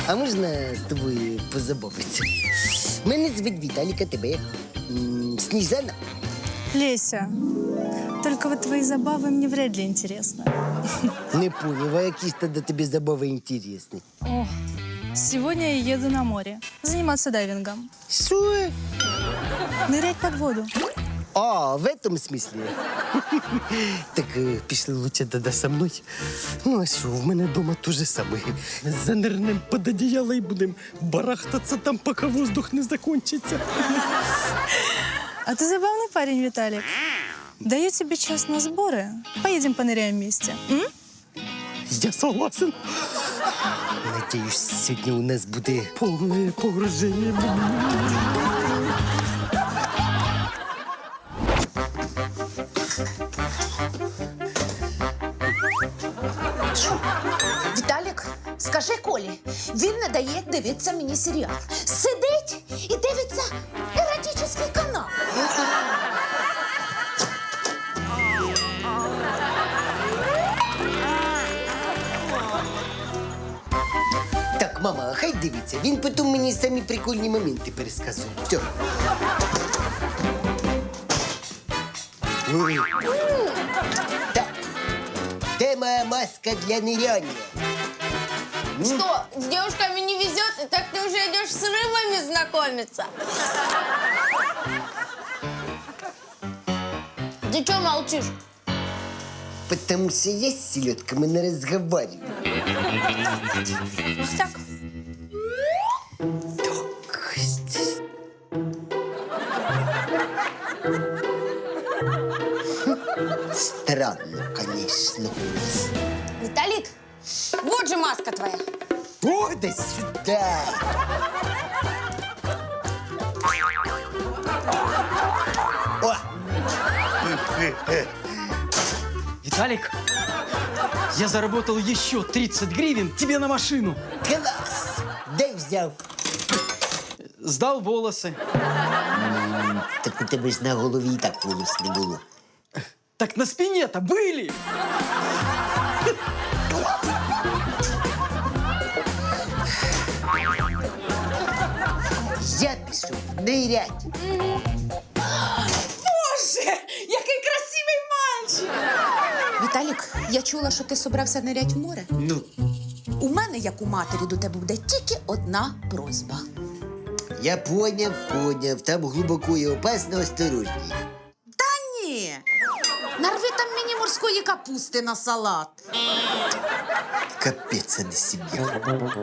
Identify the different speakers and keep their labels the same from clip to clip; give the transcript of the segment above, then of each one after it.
Speaker 1: А можна з тобою позабавитися? Мене звуть Віталік, а тебе як? Сніжана?
Speaker 2: Леся, только вот твои забавы мне вряд ли интересны.
Speaker 1: Не поняв, а які ж тоді тобі забави інтересні?
Speaker 2: О, сегодня я еду на море. Заниматься дайвингом.
Speaker 1: Що?
Speaker 2: Нырять под воду.
Speaker 1: А, в этом смысле? Так пішли лучше тоді со мною. Ну, а що, в мене вдома те же саме. Занирнем під одіяло і будемо барахтатися там, поки воздух не закончиться.
Speaker 2: А ты забавный парень, Виталик. Даю тебе час на сборы. Поедем поныряем вместе. М?
Speaker 1: Я согласен. Надіюсь, сьогодні у нас буде повне погруження.
Speaker 3: Віталік, скажи Колі, він не дає дивитися мені серіал. Сидить і дивиться еротичний канал.
Speaker 1: Так, мама, хай дивиться. Він потім мені самі прикольні моменти пересказує. Все. Так. Де моя маска для ныряния?
Speaker 4: Что, с девушками не везет, и так ты уже идешь с рыбами знакомиться? Ты что молчишь?
Speaker 1: Потому что я с селедками не разговариваю.
Speaker 4: Так.
Speaker 1: Странно, конечно.
Speaker 4: Виталик, вот же маска твоя.
Speaker 1: О, да сюда! О!
Speaker 5: Виталик, я заработал еще 30 гривен тебе на машину.
Speaker 1: Класс! Дай взял.
Speaker 5: Сдал волосы.
Speaker 1: Так у тебе ж на голові і так волос не було.
Speaker 5: Так на спине-то были.
Speaker 1: Я пішов нирять.
Speaker 3: Боже, який красивий мальчик! Віталік, я чула, що ти собрався нирять в море.
Speaker 1: Ну,
Speaker 3: У мене, як у матері, до тебе буде тільки одна просьба.
Speaker 1: я поняв. Там глибоко і опасно, осторожній.
Speaker 3: Та ні. Нарви там мені морської капусти на салат.
Speaker 1: Капець, а не сім'я.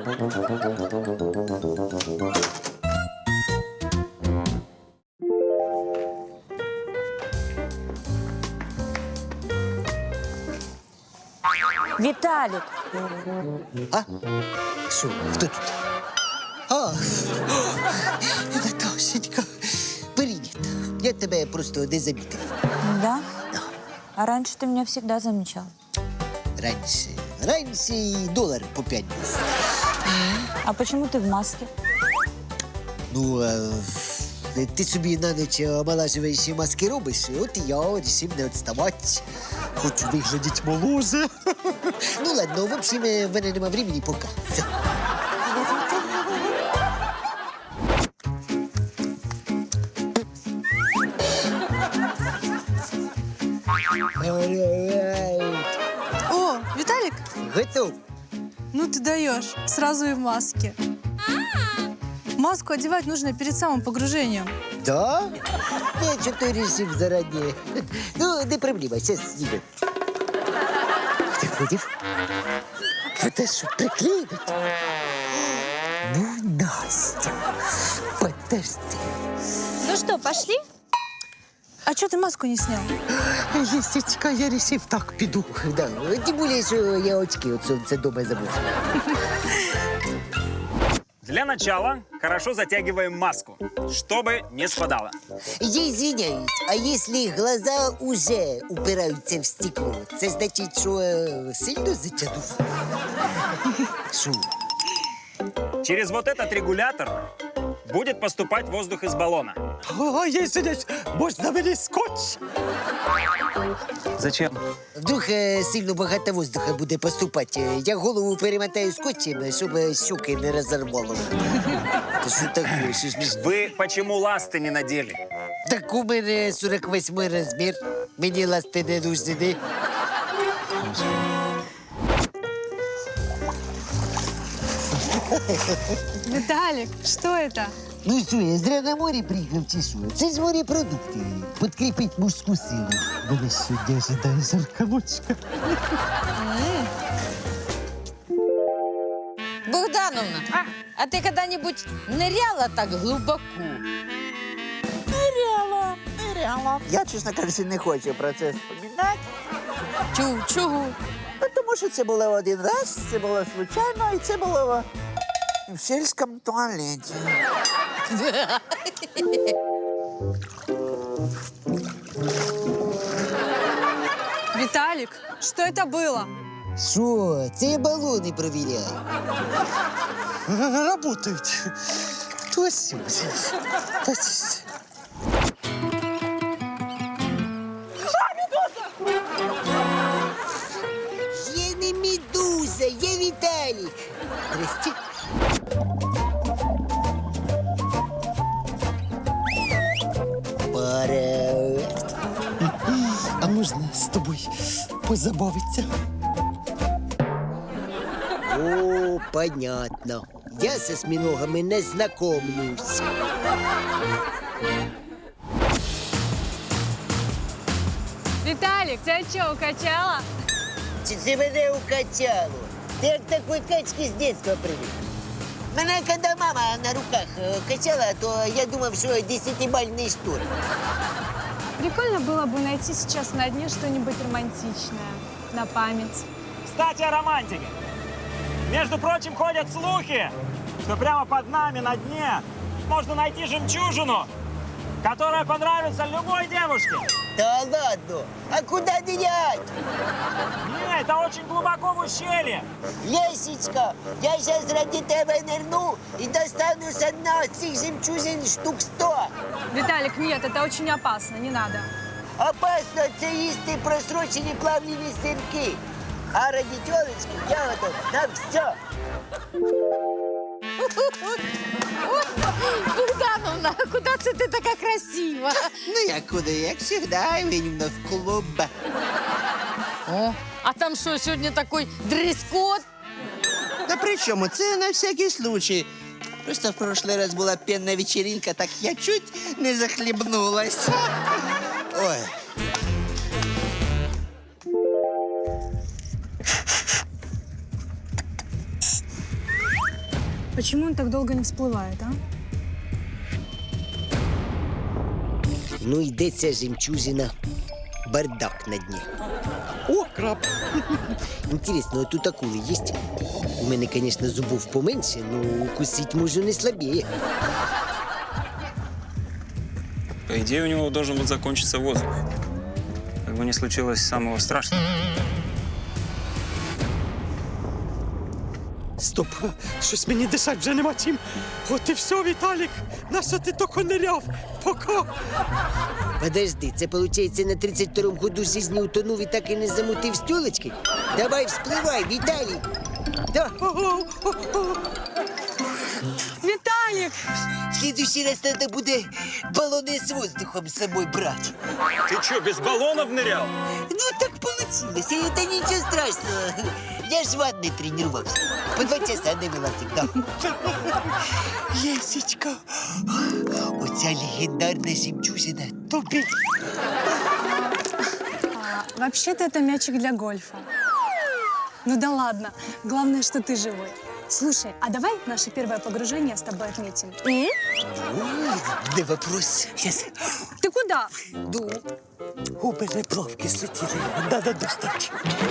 Speaker 6: Виталик,
Speaker 1: А? Що, хто тут? А, Наташенька, привіт. Я тебе просто не замітив.
Speaker 6: да? А раньше ты меня всегда замечал.
Speaker 1: Раніше і долар по 5 був.
Speaker 6: А почему ты в маске?
Speaker 1: Ну, ти собі на ніч омолажуючі маски робиш, от і я вирішив не відставати. Хочу виглядати моложе. Ну ладно, в общем, в мене нема времени пока. Все.
Speaker 2: О, Виталик,
Speaker 1: Готов.
Speaker 2: ну ты даешь. Сразу и в маске. Маску одевать нужно перед самым погружением.
Speaker 1: Да? Я что-то решил заранее. Ну, не проблема, сейчас снимем. Ты против? Это что, приклеивать? Ну, Настя, подожди.
Speaker 6: Ну что, пошли?
Speaker 2: А что ты маску не снял?
Speaker 1: Лисичка, я решил так піду. Да, тем более, что я очки от солнца дома забыл.
Speaker 7: Для начала хорошо затягиваем маску, чтобы не спадала.
Speaker 1: Я извиняюсь, а если глаза уже упираются в стекло, це значить, що сильно затягнув? Що?
Speaker 7: Через вот этот регулятор будет поступать воздух из баллона.
Speaker 1: О, извиняюсь, можна мені скотч?
Speaker 7: Зачем?
Speaker 1: Вдруг сильно багато воздуха буде поступати. Я голову перемотаю скотчем, щоб щуки не розорвало. Та що таке? Що ж мені-
Speaker 7: Вы почему ласты не надели?
Speaker 1: Так у мене 48 розмір. Мені ласти не нужні.
Speaker 2: Виталик, что это?
Speaker 1: Ну що, я зря на морі приїхав чи що? Це ж морепродукти. Підкріпить мужську силу. Мене сьогодні ожидає жарка ночка.
Speaker 6: Богдановна, а ты когда-нибудь ныряла так глубоко?
Speaker 8: Ныряла. Я, чесно кажучи, не хочу про це вспоминати.
Speaker 6: Чого?
Speaker 8: Ну, тому що це було один раз, це було случайно, і це було в сільському туалеті.
Speaker 2: Виталик, что это было?
Speaker 1: Що? Це я балони провіряю. Работають. Ось. Я не медуза, я Віталік. Здрасте. Привет. А можна з тобою позабавитися? О, понятно. Я с осьминогами не знакомлюсь.
Speaker 2: Виталик, тебя что, укачало?
Speaker 1: Чи це мене укачало? Ти як такої качки з дитинства привик. Мене, коли мама на руках качала, то я думав, що 10-бальний штурм.
Speaker 2: Прикольно было бы найти сейчас на дне что-нибудь романтичное. На память.
Speaker 7: Кстати, о романтике. Между прочим, ходят слухи, что прямо под нами на дне можно найти жемчужину, которая понравится любой девушке.
Speaker 1: Та ладно, а куда нырять?
Speaker 7: Не, это очень глубоко в ущелье.
Speaker 1: Лесечка, я сейчас ради тебе нырну и достану с дна цих жемчужин штук 100.
Speaker 2: Виталик, нет, это очень опасно, не надо.
Speaker 1: Опасно це їсти просрочені плавлені сирки. А ради тілечки я готов на все.
Speaker 6: Богдановна, куди це ти така красива?
Speaker 1: Ну, як куди, як завжди, він в клуб.
Speaker 6: О, а там що, сьогодні такий дрес-код?
Speaker 8: Та при чому? Це на всякий случай. Просто в прошлый раз була пенна вечеринка, так я чуть не захлебнулась. Ой.
Speaker 2: Почему он так долго не всплывает, а?
Speaker 1: Ну, йде ця жемчужина. Бардак на дні. О, краб! Інтересно, а тут акули є? У мене, звісно, зубов поменше, но укусить можу не слабее.
Speaker 7: По идее, у него должен был закончиться воздух. Как бы не случилось самого страшного.
Speaker 9: Стоп, щось мені дишать вже нема чим. От і все, Віталік. Нащо ти тільки ниряв? Пока.
Speaker 1: Подожди, це, виходить, на 32-му году жизни утонув і так і не замутив стілочки? Давай, вспливай, Віталій! Да.
Speaker 2: Виталик!
Speaker 1: В следующий раз надо буде балони з воздухом з собою брати.
Speaker 7: Ты что, без баллонов нырял?
Speaker 1: Ну, так получилось, и это ничего страшного. Я ж в ванной тренировался. По 2 часа навела всегда. Лесечка, оця легендарна жемчужина топить.
Speaker 2: Вообще-то это мячик для гольфа. Ну да ладно, главное, что ты живой. Слушай, а давай наше первое погружение с тобой отметим?
Speaker 1: Ой, не вопрос. Сейчас.
Speaker 2: Ты куда?
Speaker 1: Ну,
Speaker 9: У мене плавки слетіли. Надо достати.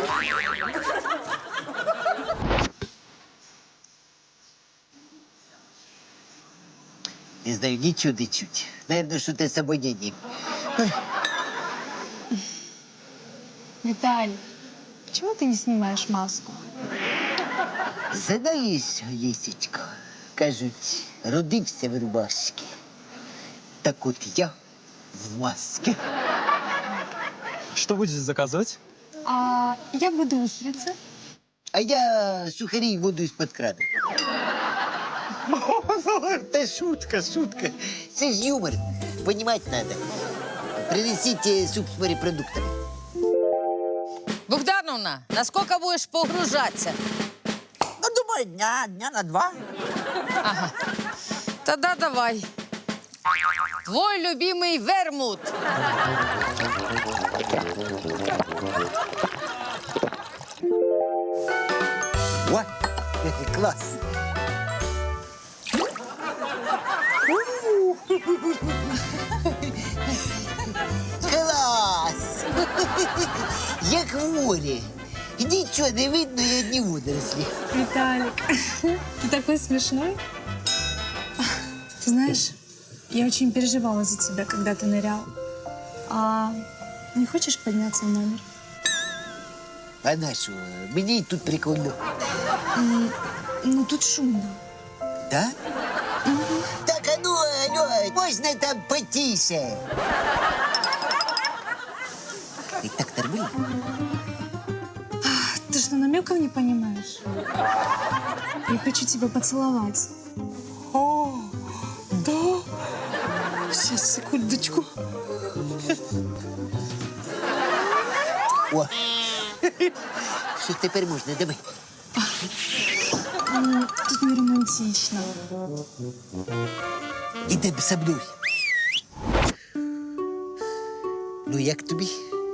Speaker 1: не знаю, ничего не чуть. Наверное, что-то с обонянием.
Speaker 2: Виталий, почему ты не снимаешь маску?
Speaker 1: Знаешь, Лесечка, Кажуть, родився в рубашці. Так от я в маске.
Speaker 5: Что будете заказывать?
Speaker 2: А я буду устрицы.
Speaker 1: А я сухарі і воду із-під крану. Та шутка, шутка. Це ж юмор. Понімати треба. Принесіть суп з морепродуктами.
Speaker 6: Богдановна, насколько будешь погружаться?
Speaker 8: Ну, думаю, дня на 2.
Speaker 6: Ага. Тогда давай. Твой любимый вермут.
Speaker 1: О, клас. Клас! Як в морі. Нічого не видно, і одні водорослі.
Speaker 2: Виталик, ты такой смешной. Ты знаешь, я очень переживала за тебя, когда ты нырял. А не хочешь подняться в номер?
Speaker 1: А на що? Мені тут прикольно.
Speaker 2: Ну, тут шумно.
Speaker 1: Да? Так, а ну, алло, можна там потише? І так нормально?
Speaker 2: Ты что, намеков не понимаешь? Я хочу тебя поцеловать.
Speaker 9: О, да? Сейчас, секундочку.
Speaker 1: О, що тепер можна? Давай.
Speaker 2: Тут не романтично.
Speaker 1: Ідемо со мною. Ну, як тобі?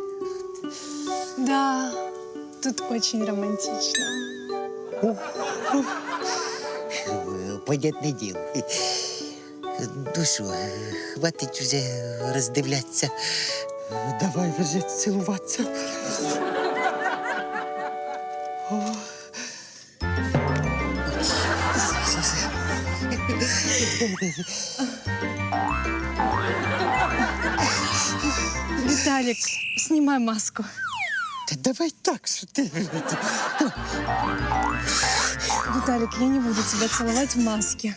Speaker 2: Да, тут очень романтично.
Speaker 1: Понятне діло. Ну що, хватить уже роздивлятися.
Speaker 9: Давай вже цілуватися.
Speaker 2: Виталик, снимай маску.
Speaker 9: Та давай так, що ти.
Speaker 2: Виталик, я не буду тебя целовать в маске.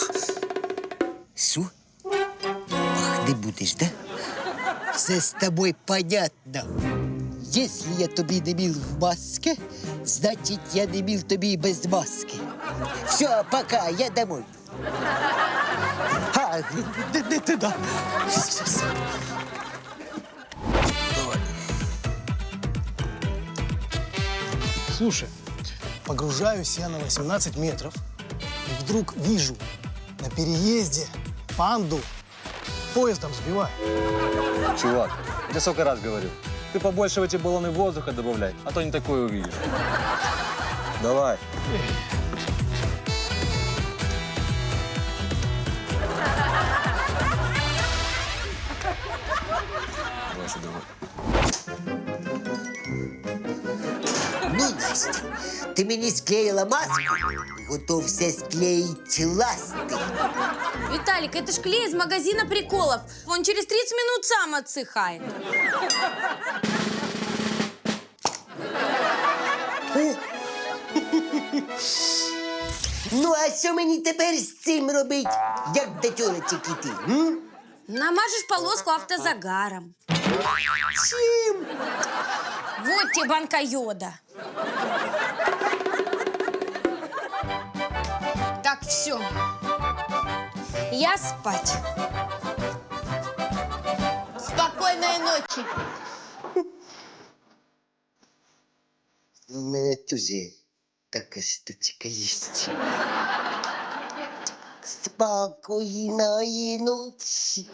Speaker 1: Що? Ах, не будеш, да? Все з тобою понятно. Якщо я тобі не міл в маске, значить я не міл тобі і без маски. Все, пока, я домой.
Speaker 9: А, не туди.
Speaker 1: Щас.
Speaker 10: Слушай, погружаюсь я на 18 метров, и вдруг вижу на переезде панду поездом сбивают.
Speaker 11: Чувак, я тебе сколько раз говорил. Ты побольше в эти баллоны воздуха добавляй, а то не такое увидишь. Давай. Давай сюда.
Speaker 1: Ну, Настя, ти мені склеїла маску, готовся склеїть ласти.
Speaker 4: Виталик, это ж клей из магазина приколов. Он через 30 минут сам отсыхает.
Speaker 1: Ну, а що мені тепер з цим робить? Як до тьолочок іти?
Speaker 4: Намажешь полоску автозагаром.
Speaker 1: Чим?
Speaker 4: Вот тебе банка йода. Так, все. Я спать. Спокойной ночи.
Speaker 1: У мене теж така штучка є. Спокійної ночі.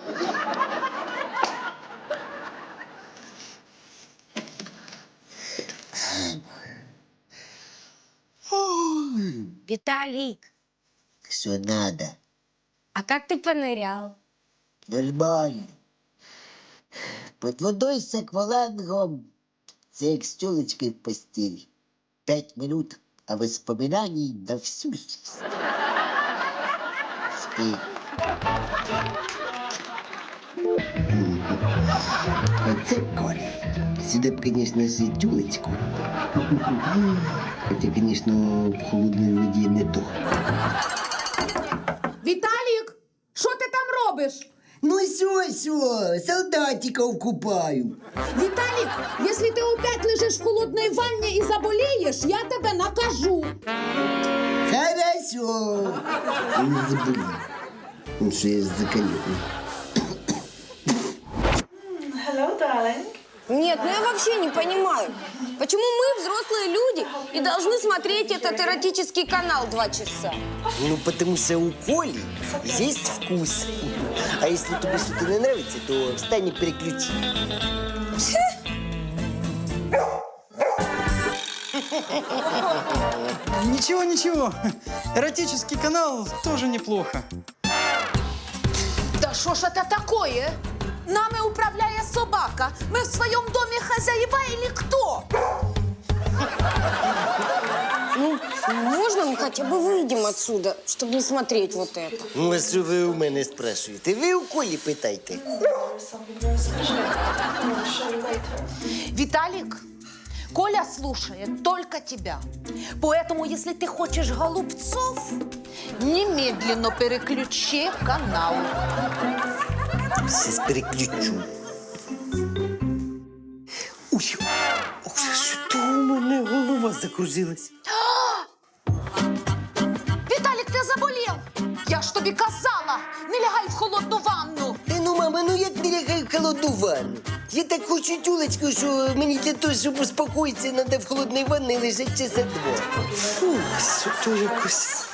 Speaker 4: Виталик,
Speaker 1: Що надо?
Speaker 4: а как ты понырял?
Speaker 1: Нормально. Под водой з аквалангом. Це як з тёлочкой в постелі. 5 минут, а воспоминаний на всю жизнь. Спи. Оце Коля. Сюда б, конечно, с тёлочку. Хотя, конечно, в холодной воде не то.
Speaker 3: Віталік, що ти там робиш?
Speaker 1: Ну все, солдатиков купаю.
Speaker 3: Віталік, якщо ти опять лежиш в холодній ванні і заболієш, я тебе накажу.
Speaker 1: Хорошо. Не забыли. Ну что я заколебный.
Speaker 4: Нет, ну я вообще не понимаю, почему мы, взрослые люди, и должны смотреть этот эротический канал 2 часа?
Speaker 1: Ну, потому что у Коли есть вкус. А если тебе что-то не нравится, то встань и переключи.
Speaker 5: Ничего, ничего. Эротический канал тоже неплохо.
Speaker 3: Да що ж це такое? Нами управляє собака. Ми в своєму домі хазяїва или хто?
Speaker 4: Ну, можно мы хотя бы выйдем отсюда, чтобы не смотреть вот это?
Speaker 1: Ну, а що ви у мене спрашуєте? Ви у Колі питайте.
Speaker 3: Виталик, Коля слушает только тебя. Поэтому, если ты хочешь голубцов, немедленно переключи канал.
Speaker 1: Сейчас переключу. Ой, ох, що у мене голова закружилась.
Speaker 3: Виталик, ты заболел! Я ж тобі казала, не лягай в холодну ванну.
Speaker 1: Та ну, мама, ну як не лягай в холодну ванну? Я так хочу тюлечку, що мені для того, щоб успокоїтися, треба в холодній ванні лежати часа 2. Фух, що то якось...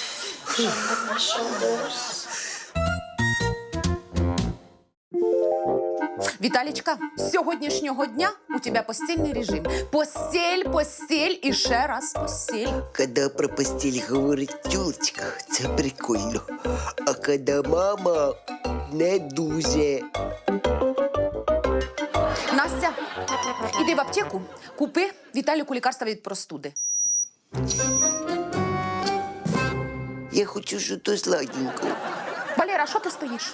Speaker 3: Віталічка, з сьогоднішнього дня у тебе постільний режим. Постіль, постіль і ще раз постіль.
Speaker 1: Коли про постіль говорить тюлечка, це прикольно. А коли мама не дуже.
Speaker 3: Настя, іди в аптеку, купи Віталіку лікарства від простуди.
Speaker 1: Я хочу щось сладенького.
Speaker 3: Валера, що ти стоїш?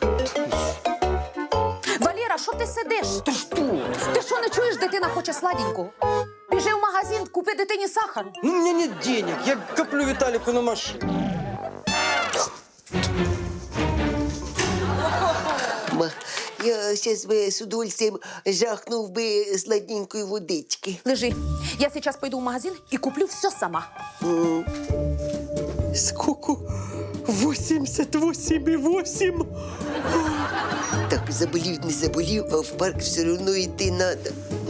Speaker 3: Валера, що ти сидиш? Ти що? Ти що, не чуєш, дитина хоче сладенького? Біжи в магазин, купи дитині сахару.
Speaker 5: Ну, у меня нет денег. Я коплю Виталику на машину.
Speaker 1: Ма, я зараз би з удовольствием жахнув би сладенької водички.
Speaker 3: Лежи. Я зараз пойду в магазин і куплю все сама.
Speaker 9: Сколько? 88,8.
Speaker 1: Так, заболів, не заболів, а в парк все одно йти треба.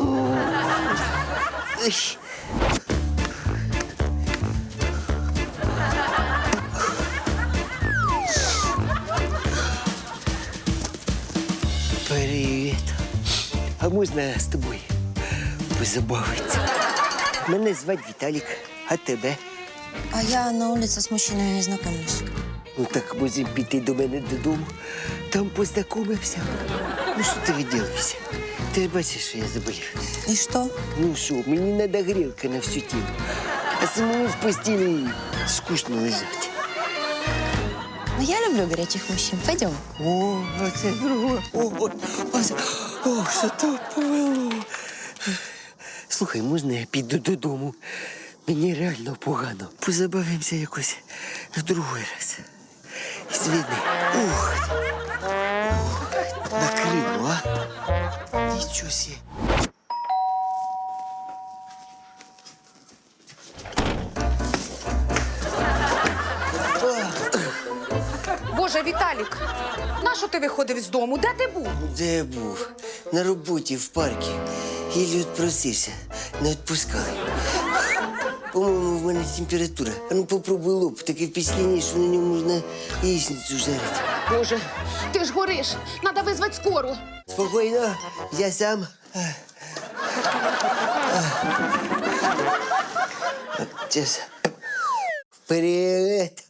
Speaker 1: Привіт. А можна з тобою позабавитися? Мене звати Віталік, а тебе?
Speaker 4: А я на улице с мужчинами не знакомлюсь.
Speaker 1: Ну так можемо піти до мене додому, там познайомимося. Ну що ти виділишся? Ти ж бачиш, що я заболів.
Speaker 4: И что?
Speaker 1: Ну що, мені треба грілка на всю тіло. А самому в постілі скучно лежати.
Speaker 4: Ну, я люблю горячих мужчин. Пойдем.
Speaker 1: О, це друге. О, що то повело. Слухай, можна я піду додому? Мені реально погано. Позабавимося якось в другий раз. Звідни. Ух. Накрило, а? Нічого себе.
Speaker 3: Боже, Віталік, нащо ти виходив з дому? Де ти був?
Speaker 1: Де я був? На роботі в парку. Єлі відпросився. Не відпускали. По-моєму, в мене температура. А ну попробуй лоб. Таке впечатлення, що на ньому можна яєчницю жарити.
Speaker 3: Боже, ти ж гориш. Надо визвати скору.
Speaker 1: Спокійно, я сам. Сейчас. Привет.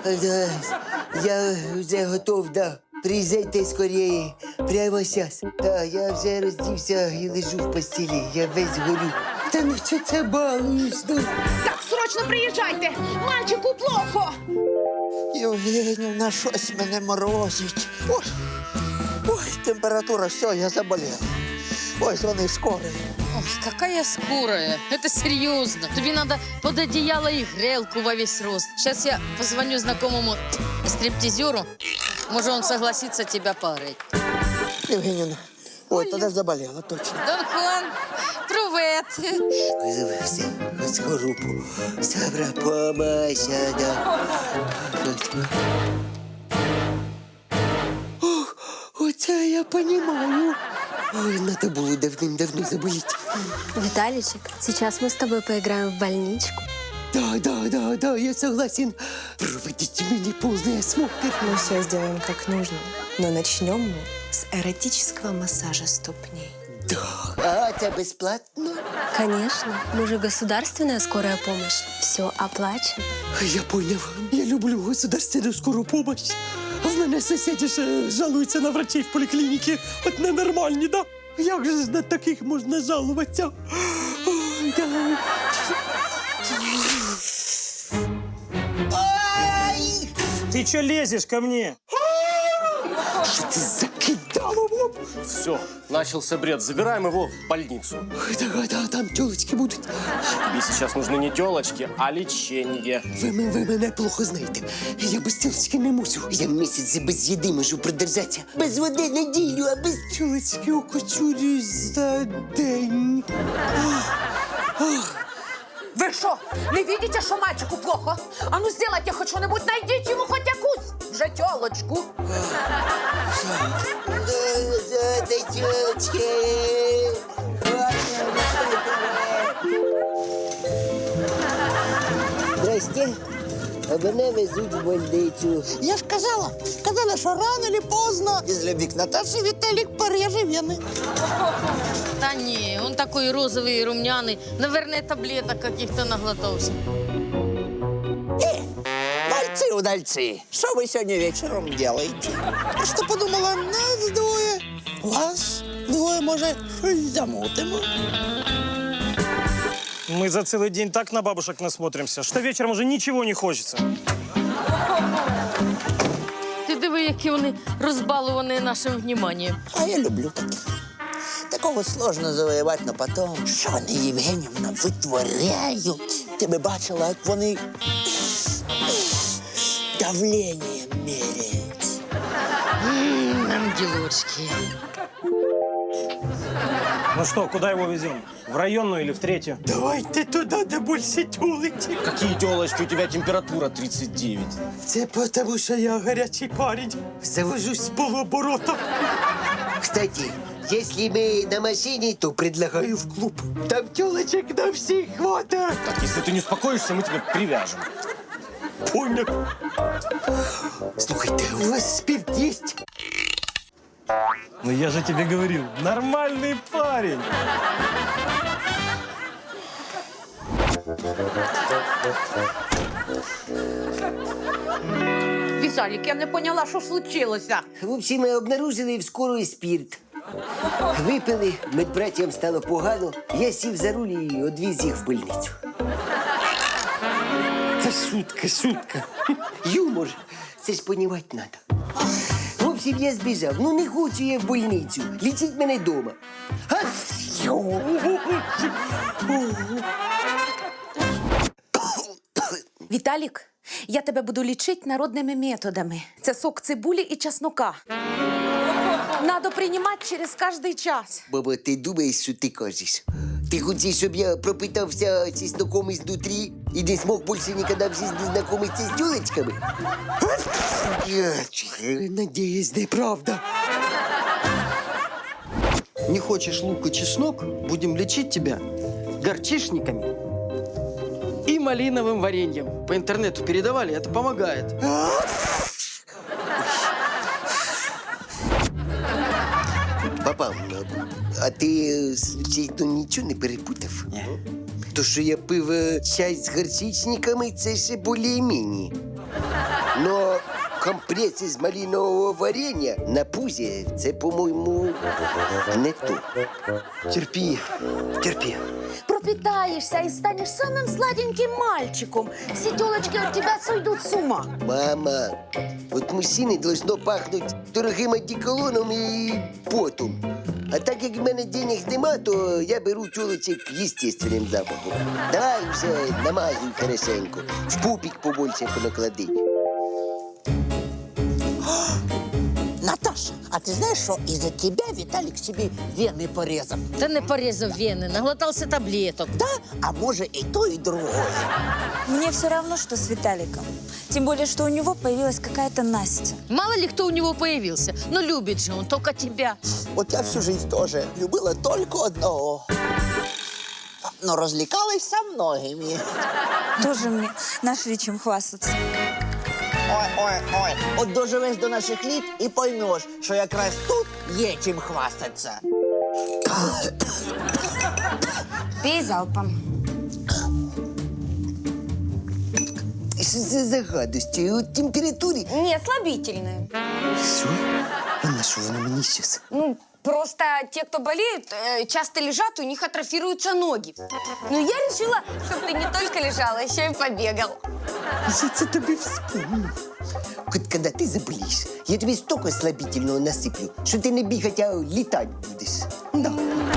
Speaker 1: Я вже готов, да. Приїжджайте скоріше. Прямо зараз. Да, я вже роздівся і лежу в постелі. Я весь горю. Та ну що це балуєш? Ну?
Speaker 3: Так, срочно приїжджайте. Мальчику плохо.
Speaker 8: Євгенівна, щось мене морозить. Ой, температура, все, я заболів. Ось вони скоро.
Speaker 6: Ой, какая скорая. Это серьезно. Тебе надо под одеяло и грелку во весь рост. Сейчас я позвоню знакомому стриптизеру. Может, он согласится тебя погреть.
Speaker 8: Євгенівна, ой, тоді заболіла, точно.
Speaker 6: Дон Хуан, привет.
Speaker 1: Визивався з групу. Сабра помасяна. Оце я понімаю. Ой, надо було давним-давно заболіти.
Speaker 12: Виталичек, сейчас мы с тобой поиграем в больничку.
Speaker 1: Да, я согласен. Проводите мне полный осмотр.
Speaker 12: Мы все сделаем как нужно, но начнем мы с эротического массажа ступней.
Speaker 1: Да, а это бесплатно?
Speaker 12: Конечно, мы же государственная скорая помощь. Все оплачено.
Speaker 1: Я понял. Я люблю государственную скорую помощь. А в мене сусіди ж жалуються на врачей в поліклініці. От ненормальні, да? Як же на таких можна жалуватися? Ой, да. Ай!
Speaker 7: Ты что лезешь ко мне?
Speaker 1: Що це закидало в лоб?
Speaker 13: Все, начался бред. Забираем его в больницу.
Speaker 1: Да, там тілочки будуть.
Speaker 13: Тебе сейчас нужны не телочки, а лечение.
Speaker 1: Ви мене плохо знаєте. Я без тілочки не мусю. Я місяць без їди можу продержатися. Без води неділю, а без тілочки окочурюсь за день.
Speaker 3: Вы что, не видите, что мальчику плохо? А ну сделайте хоть что-нибудь, найдите ему хоть якусь. Уже тёлочку.
Speaker 1: Дай тілочки. Здрасте. А мене везуть в больницю.
Speaker 8: Я ж казала, що рано или поздно из любви к Наташе Виталик пореже вены.
Speaker 6: Да не, он такой розовый и румяный. Наверное, таблеток каких-то наглотался.
Speaker 8: Удальцы, что вы сегодня вечером делаете? Просто подумала, нас двое, вас двое, может, что-нибудь замутим.
Speaker 7: Мы за целый день так на бабушек насмотримся, что вечером уже ничего не хочется.
Speaker 6: Ти диви, які вони розбалувані нашим вниманием.
Speaker 8: А я люблю таких. Такого сложно завоевать, но потом, що вони, Євгенівна, витворяють. Ти би бачила, як вони давление меряють.
Speaker 6: Ангелочки.
Speaker 7: Ну что, куда его везем? В районную или в третью?
Speaker 9: Давайте туди, де більше тілочки.
Speaker 13: Какие телочки? У тебя температура 39.
Speaker 9: Це тому, що я гарячий парень. Завожусь з полуоборота.
Speaker 1: Кстати, если мы на машине, то предлагаю в клуб.
Speaker 9: Там тілочок на всіх хватає.
Speaker 13: Так, если ты не успокоишься, мы тебя привяжем.
Speaker 9: Понял.
Speaker 1: Слушайте, у вас спирт есть?
Speaker 7: Ну я же тебе говорил, нормальный парень.
Speaker 3: Виталик, я не поняла, що случилося.
Speaker 1: В общем, мы обнаружили в скорой спирт. Випили, медбратям стало погано. Я сів за руль і одвіз їх в больницю. Це шутка. Юмор. Це ж понімати треба. В общем, я збіжав. Ну не хочу я в больницю. Лічіть мене вдома.
Speaker 3: Віталік, я тебе буду лічити народними методами. Це сок цибулі і чеснока. Надо приймати через кожний час.
Speaker 1: Баба, ти думаєш, що ти кажеш? Ти хочеш, щоб я пропитався чесноком изнутри і не смог більше ніколи в житті знайомитися з тюлечками? Надіюсь, неправда.
Speaker 5: Не хочешь лук и чеснок, будем лечить тебя горчишниками и малиновым вареньем. По интернету передавали, это помогает.
Speaker 1: Папа, а ти, случайно, нічого не перепутав?
Speaker 5: Ні.
Speaker 1: То, що я пив чай з горчичниками, це ще більш-менш. Но компреси з малинового варення на пузі, це, по-моєму, не то.
Speaker 5: Терпи.
Speaker 3: Пропитаешься и станешь самым сладеньким мальчиком. Все телочки от тебя сойдут с ума.
Speaker 1: Мама, от мужчини должно пахнути дорогим одеколоном і потом. А так як в мене денег нема, то я беру тілочек естественним запахом. Давай вже намазуй хорошенько. В пупик побольше понаклади.
Speaker 8: Наташа, а ты знаешь, что из-за тебя Виталик себе вены порезал?
Speaker 6: Та не порезав вени, наглотався таблеток.
Speaker 8: Да? А может и то, и другое.
Speaker 14: Мне все равно, что с Виталиком. Тем более, что у него появилась какая-то Настя.
Speaker 6: Мало ли кто у него появился, но любит же он только тебя.
Speaker 8: Вот я всю жизнь тоже любила только одного. Но развлекалась со многими.
Speaker 14: Тоже мне нашли чем хвастаться.
Speaker 8: Ой. От доживеш до наших літ і поймеш, що якраз тут є чим хвастатися.
Speaker 4: Пей залпом.
Speaker 1: Що це за гадості? У температурі?
Speaker 4: Не, слабительное.
Speaker 1: Що? А на що воно мені щас?
Speaker 4: Ну, просто те, кто болеют, часто лежат, у них атрофируются ноги. Но я решила, чтобы ты не только лежала, еще и побегал.
Speaker 1: Я це тобі вспомнив. От коли ти заболієш, я тобі стільки слабительного насиплю, що ти не бігати, а літати будеш. Да.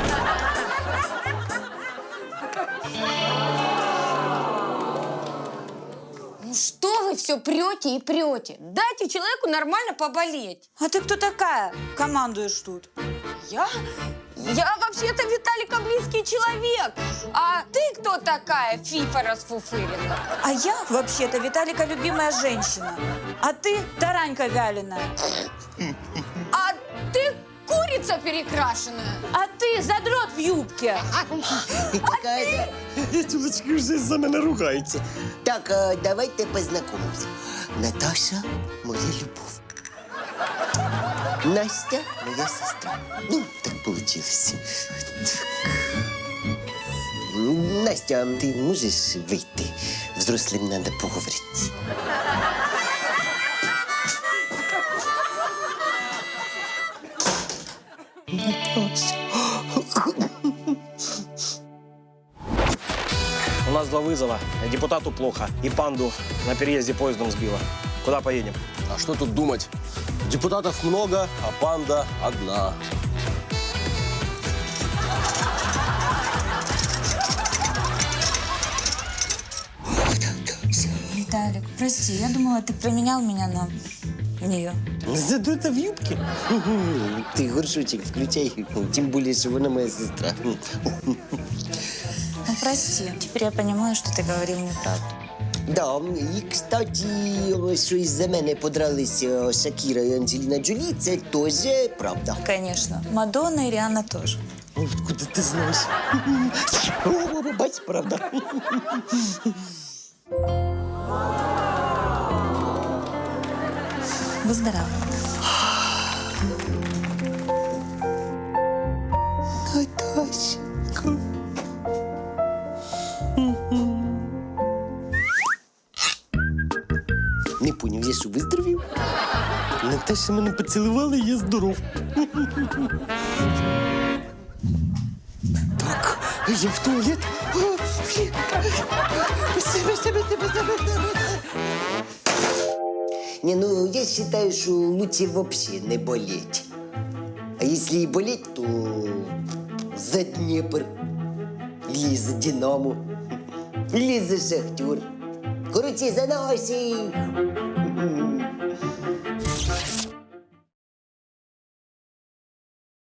Speaker 4: Ну что вы все прете и прете? Дайте человеку нормально поболеть.
Speaker 14: А ты кто такая? Командуешь тут.
Speaker 4: Я? Я вообще-то Виталика близкий человек. А ты кто такая, фифа расфуфыренная?
Speaker 14: А я, вообще-то, Виталика любимая женщина. А ты таранька вяленая.
Speaker 4: А ты курица перекрашенная.
Speaker 14: А ты задрот в юбке.
Speaker 1: Какая-то... Тюлочки вже за мене ругаються. Так, давайте познайомимося. Наташа – моя любов. Настя – моя сестра. Ну, так получилось. Настя, ти можеш вийти? Взрослим треба поговорити.
Speaker 13: У нас 2 вызова. Депутату плохо. И панду на переезде поездом сбила. Куда поедем?
Speaker 11: А что тут думать? Депутатов много, а панда одна.
Speaker 14: Виталик, прости, я думала, ты променял меня на нее.
Speaker 1: Задута в юбке? Ты горшочек включай, тем более, что она моя сестра.
Speaker 14: Ну, прости, теперь я понимаю, что ты говорил неправду.
Speaker 1: Да, і, кстати, що із-за мене подралися Шакіра і Анджеліна Джолі, це теж правда.
Speaker 14: Конечно. Мадонна и Риhanna тоже.
Speaker 1: Откуда ти знаєш? О, бач, правда.
Speaker 14: Выздоравливай.
Speaker 1: Наташка. Не поняв, я що, виздоровів? Наташа мене поцілувала, і я здоров. Так, я в туалет. Не, ну, я считаю, что лучше вообще не болеть. А если и болеть, то за Днепр. Или за Динамо. Или за Шахтер. Короче, за наших.